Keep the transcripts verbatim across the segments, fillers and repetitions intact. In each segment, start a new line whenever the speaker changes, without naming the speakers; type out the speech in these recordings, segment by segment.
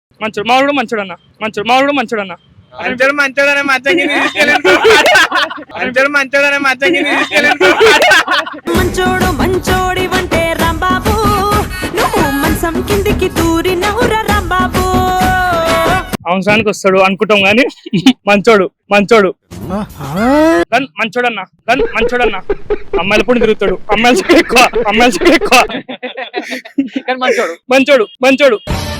మంచోడు మావాడు మంచోడు అన్న మంచోడు మావాడు మంచోడు అన్న
మంచోడు మంచోడనే మచ్చకి మంచోడు మంచోడనే మచ్చకి
మంచోడు మంచోడి వంటే రాంబాబు నువ్వు మంచం కిందికి దూరి నవ్వురా రాంబాబు
అవసరానికి వస్తాడు అనుకుంటాం గాని మంచోడు మంచోడు గన్ మంచోడన్న గన్ మంచోడన్న అమ్మాయిల పొడి తిరుగుతాడు అమ్మాయిల ఎక్కువ అమ్మాయిల ఎక్కువ
మంచోడు
మంచోడు మంచోడు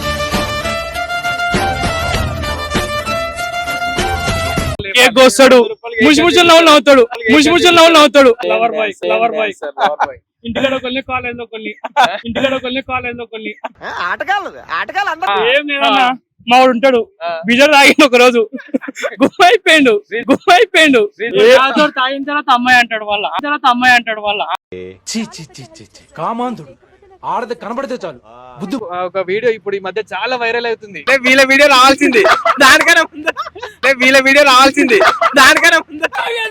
కేక్ కోస్తాడు ముసి ముసి నవ్వులు నవ్వుతాడు ముసి ముసి నవ్వులు నవ్వుతాడు లవర్ బాయ్ లవర్ బాయ్ ఇంటిలో కొన్ని కాలేజ్ లో కొన్ని ఇంటిలో కొన్ని కాలేజ్ లో కొన్ని
ఆటగాళ్ళు ఆటగాళ్ళు అందరూ
ఏం లేదన్నా మావాడు ఉంటాడు బిజర్ తాగిన ఒక రోజు గుమ్మ అయిపోయిండు గుమ్మ అయిపోయిండు తాగిన తర్వాత అమ్మాయి అంటాడు వాళ్ళ తర్వాత అమ్మాయి అంటాడు వాళ్ళ
కామాంధుడు ఆడది కనబడితే చాలు బుద్ధు.
ఒక వీడియో ఇప్పుడు ఈ మధ్య చాలా వైరల్ అవుతుంది. వీళ్ళ వీడియో రావాల్సింది దానికన్నా ముందు వీళ్ళ వీడియో రావాల్సింది దానికన్నా ముందు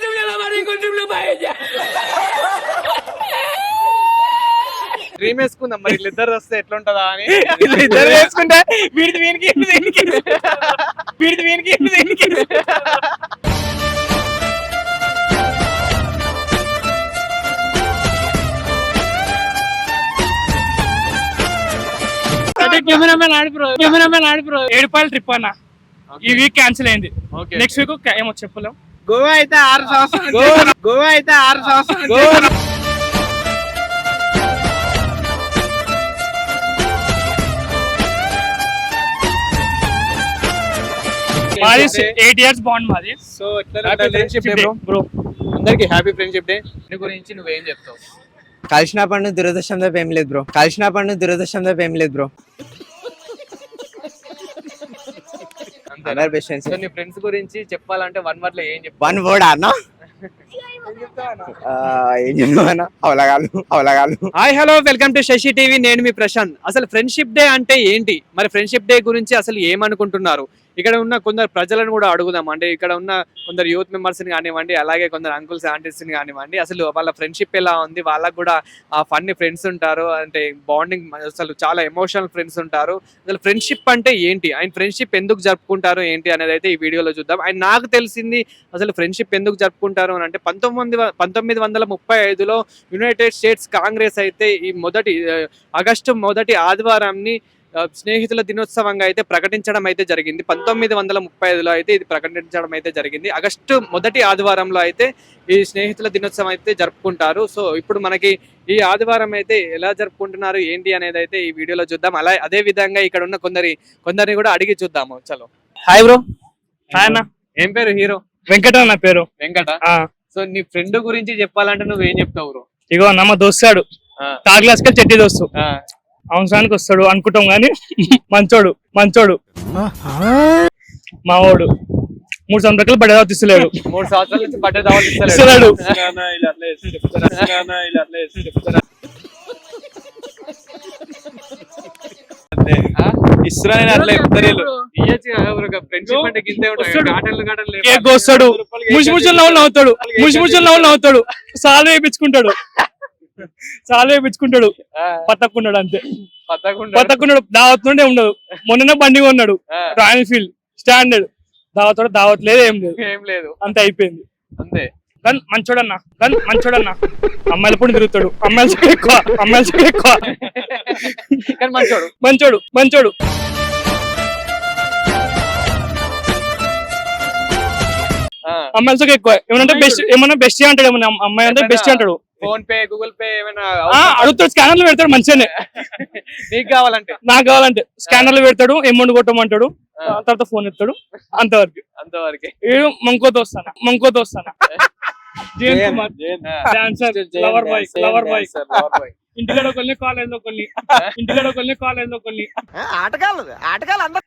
డ్రీమ్ వేసుకుందాం మరి వీళ్ళిద్దరు వస్తే ఎట్లుంటదా అని. ఇద్దరు వేసుకుంటే వీడిది వీనికి వీడిది వీనికి వీనికి
cameraman Aadi bro cameraman Aadi bro Edupayala trip అన్న ఈ వీక్ క్యాన్సిల్ అయింది. నెక్స్ట్ వీక్ ఏమో చెప్పలేం.
గోవా అయితే ఆరు సంవత్సరాలు గోవా అయితే ఆరు సంవత్సరాలు
మాది ఎయిట్ ఇయర్స్ బాండ్ మాది.
So friendship day bro bro అందరికి హ్యాపీ ఫ్రెండ్షిప్ డే. నీ గురించి నువ్వేం చెప్తావు?
కలిసిన పండు దురదృష్టం తప్ప ఏం లేదు బ్రో. కలిసిన పండు దురదృష్టం తప్ప ఏం లేదు బ్రో. అందరు బెస్ట్ ఫ్రెండ్స్.
నీ ఫ్రెండ్స్ గురించి చెప్పాలంటే వన్ వర్డ్ లో ఏం చెప్తావు?
వన్ వర్డ్ అన్నా ఏం చెప్తావన్నా అవలగాలు అవలగాలు.
Hi hello welcome to Sashi TV. నేను మీ ప్రశాంత్. అసలు ఫ్రెండ్షిప్ డే అంటే ఏంటి, మరి ఫ్రెండ్షిప్ డే గురించి అసలు ఏమనుకుంటున్నారు? ఇక్కడ ఉన్న కొందరు ప్రజలను కూడా అడుగుదాం. అంటే ఇక్కడ ఉన్న కొందరు యూత్ మెంబర్స్ ని కానివ్వండి, అలాగే కొందరు అంకుల్స్ ఆంటీస్ ని కానివ్వండి, అసలు వాళ్ళ ఫ్రెండ్షిప్ ఎలా ఉంది, వాళ్ళకు కూడా ఆ ఫన్నీ ఫ్రెండ్స్ ఉంటారు, అంటే బాండింగ్ అసలు చాలా ఎమోషనల్ ఫ్రెండ్స్ ఉంటారు. అసలు ఫ్రెండ్షిప్ అంటే ఏంటి, ఆయన ఫ్రెండ్షిప్ ఎందుకు జరుపుకుంటారు ఏంటి అనేది అయితే ఈ వీడియోలో చూద్దాం. అండ్ నాకు తెలిసింది అసలు ఫ్రెండ్షిప్ ఎందుకు జరుపుకుంటారు అని అంటే పంతొమ్మిది పంతొమ్మిది వందల ముప్పై ఐదులో యునైటెడ్ స్టేట్స్ కాంగ్రెస్ అయితే ఈ మొదటి ఆగస్టు మొదటి ఆదివారాన్ని స్నేహితుల దినోత్సవంగా అయితే ప్రకటించడం అయితే జరిగింది. పంతొమ్మిది వందల ముప్పై ఐదులో అయితే ఇది ప్రకటించడం అయితే జరిగింది. ఆగస్టు మొదటి ఆదివారంలో అయితే ఈ స్నేహితుల దినోత్సవం అయితే జరుపుకుంటారు. సో ఇప్పుడు మనకి ఈ ఆదివారం అయితే ఎలా జరుపుకుంటున్నారు ఏంటి అనేది అయితే ఈ వీడియోలో చూద్దాం. అలా అదే విధంగా ఇక్కడ ఉన్న కొందరి కొందరిని కూడా అడిగి చూద్దాము. చలో.
Hi bro. హాయ్ అన్న.
ఏం పేరు? హీరో
వెంకట నా పేరు.
వెంకట. సో నీ ఫ్రెండ్ గురించి చెప్పాలంటే నువ్వేం చెప్తావు బ్రో?
ఇగో అన్న మా దోస్తాడు థర్డ్ క్లాస్ కి చెట్టి దోస్తు అవసరానికి వస్తాడు అనుకుంటాం గాని మంచోడు మంచోడు మావాడు మూడు సంవత్సరాలు బడ్డే దావత్ ఇస్తలేడు.
మూడు సంవత్సరాల నుంచి బడ్డే దావత్
ఇస్తలేడు. కేక్ కోస్తాడు ముసి ముసి నవ్వులు నవ్వుతాడు ముసి ముసి నవ్వులు నవ్వుతాడు సాలు వేయించుకుంటాడు చాలా వేయించుకుంటాడు పత్తకుండాడు అంతే. పత్తకుండాడు దావత్ నుండే ఉండదు. మొన్ననే బండి కొన్నాడు రాయల్ ఫీల్డ్ స్టాండర్డ్. దావత్ దావత్ లేదు ఏం లేదు
ఏం లేదు
అంతే అయిపోయింది
అంతే.
గన్ మంచోడన్న గన్ మంచోడన్న అమ్మాయిల పొడి తిరుగుతాడు అమ్మాయిల ఎక్కువ అమ్మాయిల ఎక్కువ
మంచోడు
మంచోడు మంచోడు. అమ్మాయిలతో ఎక్కువ ఏమన్నా బెస్ట్ ఏమన్నా బెస్ట్ అంటాడు. ఏమన్నా అమ్మాయి అంటే బెస్ట్ అంటాడు.
ఫోన్ పే గూగుల్ పే ఏమైనా
అడుగుతాడు. స్కానర్లు పెడతాడు మంచిగానే.
నీకు కావాలంటే
నాకు కావాలంటే స్కానర్లు పెడతాడు. అమౌంట్ కొట్టమంటాడు. తర్వాత ఫోన్ ఎత్తాడు. అంతవరకు
అంతవరకు.
మంకోతో వస్తానా మంకోతో వస్తానా లవర్ బాయ్ లవర్ బాయ్ ఇంటిలో కొన్ని కాలేజ్ లో కొన్ని ఇంటిలో కొన్ని కాలేజ్ లో కొన్ని
ఆటగాళ్ళు ఆటగాళ్ళు అందరూ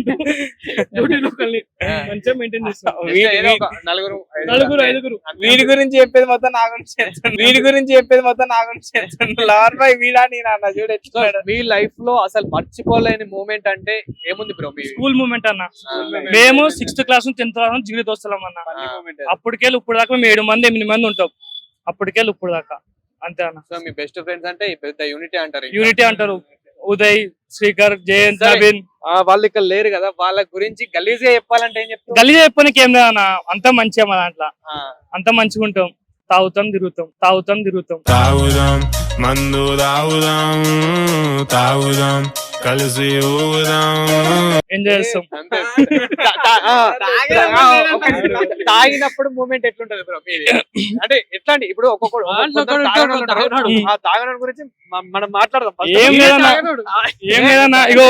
మంచిగా మెయింటైన్ చేస్తాం.
నలుగురు
నలుగురు ఐదుగురు.
వీడి గురించి చెప్పేది మొత్తం నా గురించి చేస్తాను. వీడి గురించి చెప్పేది మొత్తం నా గురించి చేస్తాను. లవర్ బాయ్ వీడా నేను చూడ. మీ లైఫ్ లో అసలు మర్చిపోలేని మూమెంట్ అంటే ఏముంది బ్రో?
స్కూల్ మూమెంట్ అన్న. మేము సిక్స్త్ క్లాస్ నుంచి టెన్త్ క్లాస్ నుంచి జీరో దోస్తాం అన్న. అప్పటికెళ్ళి ఇప్పుడు దాకా మేము ఏడు మంది ఎనిమిది మంది ఉంటాం. అప్పటికెళ్ళి ఇప్పుడు దాకా అంతే అన్న.
సో మీ బెస్ట్ ఫ్రెండ్స్ అంటే పెద్ద యూనిటీ అంటారు.
యూనిటీ అంటారు. ఉదయ్, శ్రీకర్, జయంత్, నవీన్.
వాళ్ళు ఇక్కడ లేరు కదా, వాళ్ళ గురించి గలీజ్ గా చెప్పాలంటే ఏం చెప్తారు?
గల్లీ చెప్పడానికి ఏం లేదన్న, అంతా మంచిగా మా దాంట్లో, అంతా మంచిగా ఉంటాం, తాగుతాం తిరుగుతాం, తాగుతాం తిరుగుతాం.
తాగుదాం మందు తాగుదాం తాగుదాం కలిసి ఊదాం.
ఎంజాయ్ చేస్తాం.
అంతే. తా- తా- ఆ, ఆ, ఒక నిమిషం. తాగినప్పుడు మూమెంట్ ఎట్లుంటది బ్రో మీది? అంటే ఎట్లా అండి ఇప్పుడు ఒక్కొక్కడు ఒక్కొక్కరు తాగనోళ్ళు ఉంటారు. ఆ తాగనోడి గురించి మ- మనం మాట్లాడదాం first.
ఏం
మీరే
లేదన్నా.
తాగనోడు.
ఏం లేదన్నా, ఇగో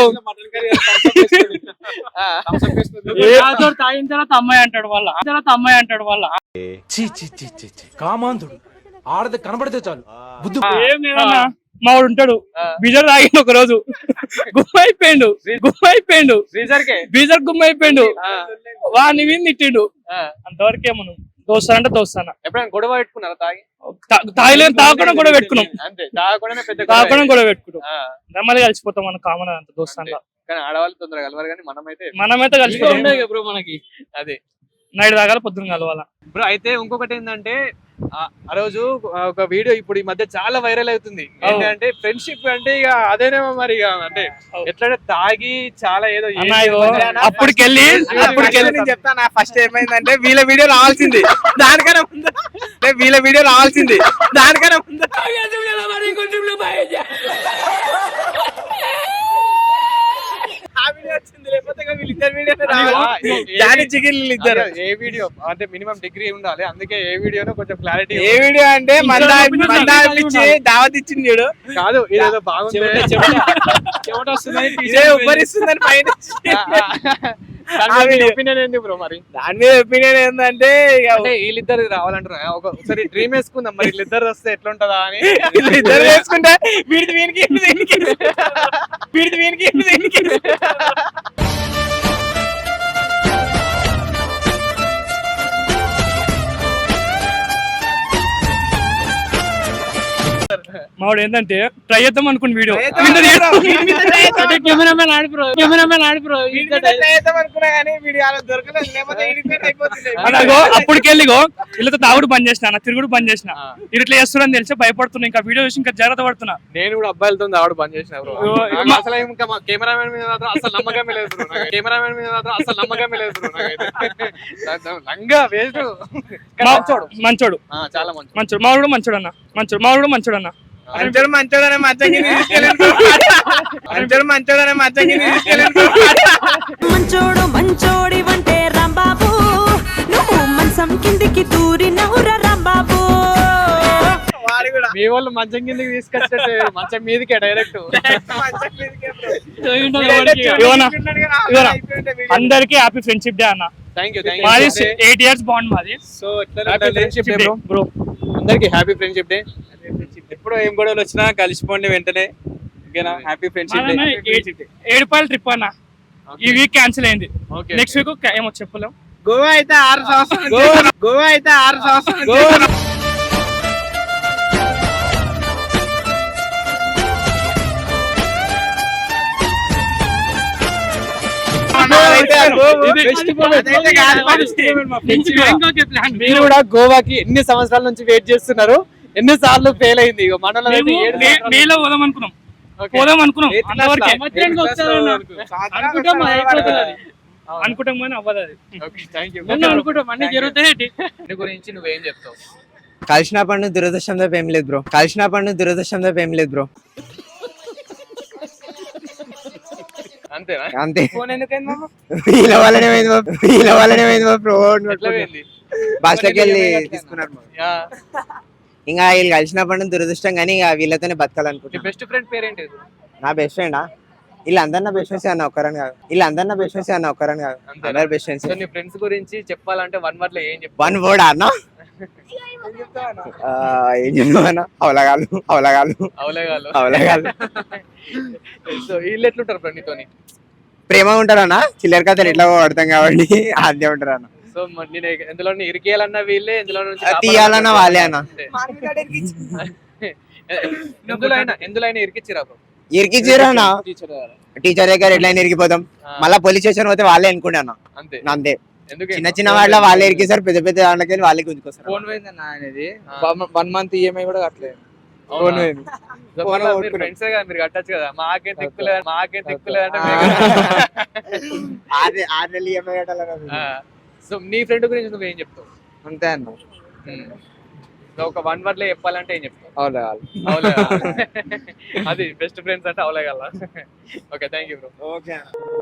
ఆ,
తాగిన తర్వాత అమ్మాయి అంటాడు వాళ్ళ, తర్వాత అమ్మాయి అంటాడు వాళ్ళ.
చీ చీ చీ చీ చీ కామాంధుడు ఆడది కనబడితే చాలు బుద్ధి
ఏం లేదన్నా, మా వాడు ఉంటాడు
ఆ.
బీజర్ తాగిండు ఒక రోజు, గుమ్మ అయిపోయిండు, గుమ్మ అయిపోయిండు,
ఫ్రీజర్ కే
బీజర్ గుమ్మ అయిపోయిండు,
ఆ,
వాడిని విని తిట్టిండు.
ఆ.
అంతవరకే మనం దోస్తానంటే దోస్తానా,
ఎప్పుడైనా గొడవ పెట్టుకున్నారా తాగి?
తాగలేని తాగకుండా కూడా పెట్టుకున్నాం,
అంతే, తాగకుండానే పెద్ద గొడవ
తాగకుండా కూడా పెట్టుకున్నాం.
ఆ,
నెమ్మది కలిసిపోతాం మన కామన్ అంత దోస్తాన్లా.
కానీ ఆడవాళ్ళు తొందరగా కలవరు, కానీ మనమైతే
మనమైతే కలిసిపోతాం.
బ్రో మనకి అదే
నైట్ తాగాల పొద్దున కలవాల.
బ్రో. అయితే ఇంకొకటి ఏంటంటే ఆ ఆ రోజు ఒక వీడియో ఇప్పుడు ఈ మధ్య చాలా వైరల్ అవుతుంది. ఏంటంటే ఫ్రెండ్షిప్ అంటే ఇక అదేనేమో మరి ఇక అంటే ఎట్లా తాగి చాలా ఏదో
అన్నా ఇగో అప్పటికెళ్ళి అప్పటికెళ్ళి
నేను చెప్తాను ఫస్ట్ ఏమైందంటే వీళ్ళ వీడియో రావాల్సింది దానికన్నా ముందు అంటే వీళ్ళ వీడియో రావాల్సింది దానికన్నా ముందు ఆ వీడియో వచ్చింది, లేకపోతే ఇక వీళ్ళిద్దరు వీడియో జాని చికెన్ ఇద్దరు.
ఏ వీడియో అంటే మినిమం డిగ్రీ ఉండాలి, అందుకే ఏ వీడియోనో కొంచెం క్లారిటీ.
ఏ వీడియో అంటే మందా మందా ఇచ్చి దావత్ ఇచ్చింది చూడు,
కాదు ఇదేదో బాగుంది,
ఇదే ఉబ్బరిస్తుందని పైన
ఒపీనియన్ ఏంది బ్రో మరి?
దాని మీద ఒపీనియన్ ఏంటంటే ఇక
అంటే వీళ్ళిద్దరు రావాలంటారు, ఒక ఒకసారి డ్రీమ్ వేసుకుందాం మరి వీళ్ళిద్దరు వస్తే ఎట్లుంటదా అని.
ఇద్దరు వేసుకుంటే వీడిది వీనికి వీనికి వీడిది వీనికి వీనికి
మావాడు ఏంటంటే ట్రై చేద్దాం అనుకున్న video
cameraman Aadi bro cameraman Aadi bro అనుకున్నా కానీ వీడియో అలా దొరకలేదు, లేకపోతే ఇరిటేట్ అయిపోతుంది.
అలాగో అప్పటికెళ్ళిగో వీళ్ళతో తాగుడు బంద్ చేసిన, తిరుగుడు బంద్ చేసిన, ఇట్లా చేస్తున్నారని తెలిసి భయపడుతున్నా, ఇంకా వీడియో చూసి ఇంకా జాగ్రత్త పడుతున్నా.
నేను కూడా అబ్బాయిలతో ఆవిడ బంద్ చేసిన బ్రో. నాకు అసలు ఇంకా కెమెరామెన్ మీద మాత్రం అసలు నమ్మకమే లేదు బ్రో. కెమెరామెన్ మీద మాత్రం అసలు నమ్మకమే లేదు బ్రో. నాకైతే లంగా వేస్ట్.
మంచోడు మంచోడు
ఆ, చాలా మంచి
మంచోడు, మావాడు కూడా మంచోడు అన్న, మంచోడు మావాడు కూడా మంచోడు అన్న.
మంచోడు మంచోడనే మచ్చకి మంచోడు మంచోడనే మచ్చకి
మంచోడు మంచోడి వంటే రాంబాబు, నువ్వు మంచం కిందికి దూరినవురా రాంబాబు.
వాడు కూడా
మీ వాళ్ళు మంచం కిందకి తీసుకొచ్చేటే మంచం మీదకే డైరెక్ట్.
ఇవ్వనా? ఇవ్వనా? అందరికి హ్యాపీ ఫ్రెండ్షిప్ డే అన్న.
థ్యాంక్ యూ థ్యాంక్
మాది
యూ.
ఎయిట్ ఇయర్స్ బాండ్ మాది.
So happy friendship day bro.
Bro
అందరికి హ్యాపీ ఫ్రెండ్షిప్ డే.
ఎప్పుడు ఏం గొడవలు వచ్చినా కలిసిపోండి వెంటనే, ఓకేనా? Happy friendship day.
Edupayala trip అన్న ఈ వీక్ క్యాన్సిల్ అయింది,
ఓకే
నెక్స్ట్ వీక్ ఏమో చెప్పలేం.
గోవా అయితే ఆరు సంవత్సరాలు గోవా అయితే ఆరు సంవత్సరాలు
మీరు కూడా గోవాకి ఎన్ని సంవత్సరాల నుంచి వెయిట్ చేస్తున్నారు, ఎన్ని సార్లు ఫెయిల్ అయింది? ఇగో మనలో అయితే ఏడు సంవత్సరాలు.
మేలో పోదాం అనుకున్నాం,
ఓకే.
పోదాం అనుకున్నాం,
Eighth class
అంతవరకే
లా?
అనుకుంటాం, అయిపోతుంది అది. అనుకుంటాం కానీ అవ్వదు అది.
Okay, thank you.
అనుకుంటాం అన్ని జరుగుతాయి.
దీని గురించి నువ్వేం చెప్తావు?
కలిసిన పండు దురదృష్టం తప్ప ఏం లేదు బ్రో, కలిసిన పండు దురదృష్టం తప్ప ఏం లేదు బ్రో,
అంతేనా?
అంతే.
ఫోన్ ఎందుకైంది మామ?
వీళ్ళ వల్లనే పోయింది బాబు, వీళ్ళ వల్లనే పోయింది బాబు బ్రో.
ఎట్లా పోయింది?
బస్లోకి వెళ్ళి తీసుకున్నారు బాబు.
యా.
ఇంకా వీళ్ళు కలిసిన పండు దురదృష్టం కానీ ఇక వీళ్ళతోనే
నీ
బతకాలనుకుంటున్నా.
బెస్ట్ ఫ్రెండ్ పేరేంటి?
నా బెస్ట్ ఫ్రెండా? వీళ్ళందరు నా బెస్ట్ ఫ్రెండ్స్ అన్న ఒక్కరని కాదు, వీళ్ళందరు నా బెస్ట్ ఫ్రెండ్స్ అన్న ఒక్కరని కాదు,
అంతేనా?
అందరు బెస్ట్ ఫ్రెండ్స్.
సో నీ ఫ్రెండ్స్ గురించి చెప్పాలంటే వన్ వర్డ్ లో ఏం చెప్తావు?
వన్ వర్డ్ అన్న, ఆ, ఏం చెప్తామన్నా, అవలగాలు అవలగాలు
అవలేగాలు.
అవలగాలు.
సో వీళ్ళు ఎట్లుంటారు బ్రో నీతోని?
ప్రేమ ఉంటారన్న, చిల్లర కథలు ఎట్లా పడతాం కాబట్టి అదే ఉంటారు అన్న.
సో మరి నేను ఎందులో ఇరికేయాలన్నా వీళ్ళే, ఎందులో నుంచి
తీయాలన్నా వాళ్ళే అన్న.
ఎందులో అయినా ఎందులో అయినా ఇరికిచ్చిరా బ్రో?
ఇరికిచ్చారు అన్న, టీచర్ దగ్గర ఎట్లయినా ఇరికిపోతాం, మళ్ళీ పోలీస్ స్టేషన్ పోతే వాళ్ళే అనుకుంటే అన్న.
అంతే.
అంతే,
ఎందుకు
చిన్న చిన్న వాళ్ళ వాళ్ళే ఇరికిస్తారు, పెద్ద పెద్ద దాంట్లోకి వెళ్ళి వాళ్ళే గుంజుకొస్తారు.
ఫోన్ పోయిందన్న ఆయనది,
ఆ.
వన్ మంత్ ఈఎంఐ కూడా కట్టలేదు.
ఫోన్ పోయింది.
సో
ఫోన్
మళ్ళా మీరు
కొట్టుకున్నాం.
ఫ్రెండ్సే కదా, మీరు కట్టచ్చు కదా. మాకేం తిక్కులేదు మాకేం తిక్కులేదు అంటే
ఆరు ఆరు నెలలు ఈఎంఐ కట్టాలి.
సో నీ ఫ్రెండ్ గురించి నువ్వేం చెప్తావు?
అంతే అన్న.
సో ఒక వన్ వర్డ్ లో చెప్పాలంటే ఏం చెప్తావు?
అవులే
అవులే అది బెస్ట్ ఫ్రెండ్స్ అంటే అవులే కదా. Okay thank you bro.
Okay.